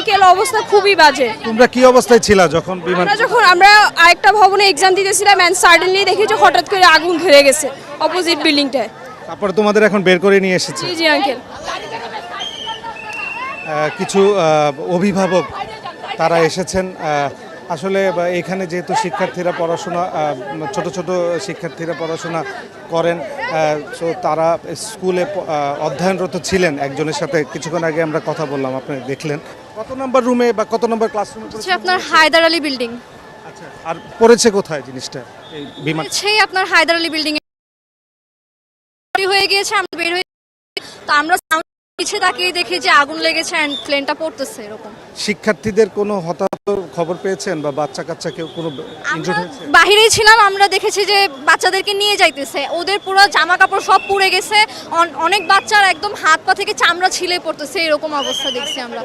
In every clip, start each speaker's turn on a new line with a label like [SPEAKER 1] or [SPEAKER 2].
[SPEAKER 1] Uncle অবস্থা খুবই বাজে।
[SPEAKER 2] তোমরা কি অবস্থায় ছিলা যখন বিমান?
[SPEAKER 1] আমরা আরেকটা ভবনে এক্সাম দিতেছিলাম এন্ড সাডেনলি দেখি যে হঠাৎ করে আগুন ধরে গেছে অপোজিট বিল্ডিংটায়।
[SPEAKER 2] তারপরে তোমাদের এখন বের করে নিয়ে এসেছে?
[SPEAKER 1] জি জি আঙ্কেল।
[SPEAKER 2] কিছু অভিভাবক তারা এসেছেন। আসলে এখানে যেহেতু শিক্ষার্থীরা পড়াশোনা ছোট ছোট শিক্ষার্থীরা পড়াশোনা করেন, সো তারা স্কুলে অধ্যয়নরত ছিলেন। একজনের সাথে কিছুক্ষণ আগে আমরা কথা বললাম, আপনি দেখলেন। কত নম্বর রুমে বা কত নম্বর ক্লাসরুমে?
[SPEAKER 3] আপনার হায়দার আলী বিল্ডিং।
[SPEAKER 2] আচ্ছা, আর পড়েছে কোথায় জিনিসটা এই বিমান?
[SPEAKER 3] সেই আপনার হায়দার আলী বিল্ডিং এ হয়ে গিয়েছে, আমরা বের হয়ে তো আমরা পিছে তাকিয়ে দেখি যে আগুন লেগেছে এন্ড প্লেনটা পড়তেছে এরকম।
[SPEAKER 2] শিক্ষার্থীদের কোনো হতাহত খবর পেয়েছেন বা বাচ্চা কাচ্চা কেউ কোনো ইনজুর্ড হয়েছে?
[SPEAKER 3] বাহিরেই ছিলাম, আমরা দেখেছি যে বাচ্চাদেরকে নিয়ে যাইতেছে, ওদের পুরো জামা কাপড় সব পুড়ে গেছে, অনেক বাচ্চার একদম হাত পা থেকে চামড়া ছিলে পড়তেছে, এরকম অবস্থা দেখছি আমরা।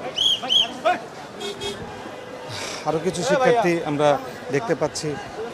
[SPEAKER 2] আরো কিছু শিক্ষার্থী আমরা দেখতে পাচ্ছি।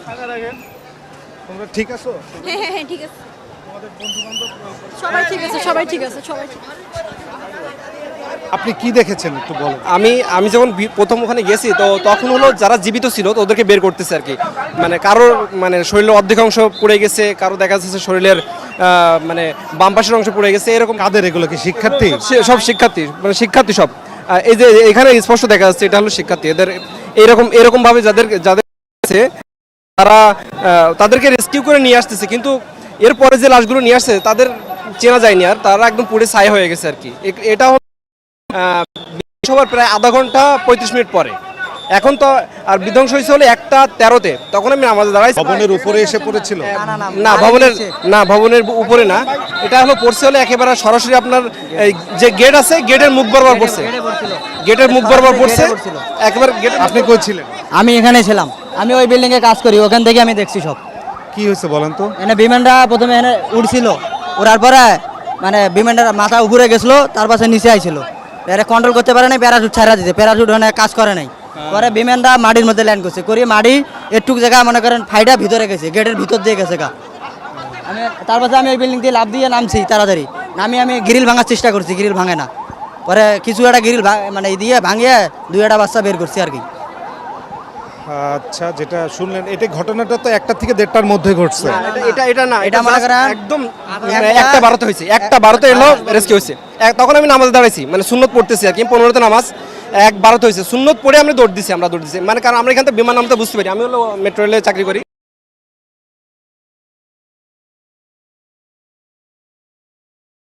[SPEAKER 2] তোমরা ঠিক আছো?
[SPEAKER 3] হ্যাঁ হ্যাঁ হ্যাঁ ঠিক আছে, সবাই ঠিক আছে, সবাই ঠিক আছে, সবাই ঠিক আছে।
[SPEAKER 2] আপনি কি দেখেছেন একটু বলেন।
[SPEAKER 4] আমি যখন প্রথম ওখানে গেছি তো তখন হলো যারা জীবিত ছিল তো ওদেরকে বের করতেছে আর কি। মানে কারোর মানে শরীরের অর্ধেক অংশ পুড়ে গেছে, কারো দেখা যাচ্ছে শরীরের মানে বাম পাশের অংশ পুড়ে গেছে এরকম।
[SPEAKER 2] কাদের এগুলো? কি শিক্ষার্থী?
[SPEAKER 4] সব শিক্ষার্থী, মানে শিক্ষার্থী সব। এই যে এখানে স্পষ্ট দেখা যাচ্ছে এটা হলো শিক্ষার্থী। এদের এরকম ভাবে যাদের আছে তারা তাদেরকে রেস্কিউ করে নিয়ে আসতেছে, কিন্তু এরপরে যে লাশগুলো নিয়ে আসছে তাদের চেনা যায়নি, আর তারা একদম পুড়ে ছাই হয়ে গেছে আর কি। এটা সবার প্রায় আধা ঘন্টা 35 মিনিট পরে। এখন তো আর বিধ্বংস হয়েছে হলে 1:13-তে, তখন আমি আমাদের দাঁড়াইছি।
[SPEAKER 2] ভবনের উপরে এসে পড়েছিল?
[SPEAKER 4] না ভবনের উপরে না, এটা হলো পড়ছে হলে একেবারে সরাসরি আপনার যে গেট আছে গেটের মুখ বরাবর পড়ছে, গেটের মুখ বরাবর পড়ছে একেবারে গেট।
[SPEAKER 2] আপনি কই ছিলেন?
[SPEAKER 5] আমি এখানে ছিলাম, আমি ওই বিল্ডিং এ কাজ করি, ওখান থেকে আমি দেখছি সব।
[SPEAKER 2] কি হয়েছে বলেন তো?
[SPEAKER 5] এখানে বিমানটা প্রথমে এখানে উড়ছিল, উড়ার পরে মানে বিমানটার মাথা উপরে গেছিলো, তার পাশে নিচে আইছিল, এরা কন্ট্রোল করতে পারে নাই, প্যারাশুট ছাড়া দিতে, প্যারাশুট ওখানে কাজ করে নাই। পরে বিমানটা মাটির মধ্যে ল্যান্ড করছে, করি মাটি একটুক জায়গা মনে করেন ফাইটা ভিতরে গেছে, গেটের ভিতর দিয়ে গেছে গা। আমি তার পাশে আমি ওই বিল্ডিং দিয়ে লাফ দিয়ে নামছি তাড়াতাড়ি, আমি গ্রিল ভাঙার চেষ্টা করছি, গ্রিল ভাঙে না। পরে কিছু একটা গ্রিল মানে দিয়ে ভাঙিয়ে 2টা বাচ্চা বের করছি আর কি।
[SPEAKER 2] আচ্ছা, যেটা শুনলেন এটা ঘটনাটা তো 1টা থেকে 1:30টার মধ্যে ঘটছে।
[SPEAKER 4] এটা না,
[SPEAKER 5] এটা মনে করেন
[SPEAKER 4] একদম 1:12-তে হয়েছে, 1:12-তে এলো রেস্কিউ হয়েছে। তখন আমি নামাজে দাঁড়াইছি, মানে সুন্নত পড়তেছি আর কি, 15-তে নামাজ, 1:12-তে হয়েছে। সুন্নত পড়ে আমরা দৌড় দিছি, মানে কারণ আমরা এখান থেকে বিমান নামতে বুঝতে পারি। আমি হলো মেট্রো রেলে চাকরি করি।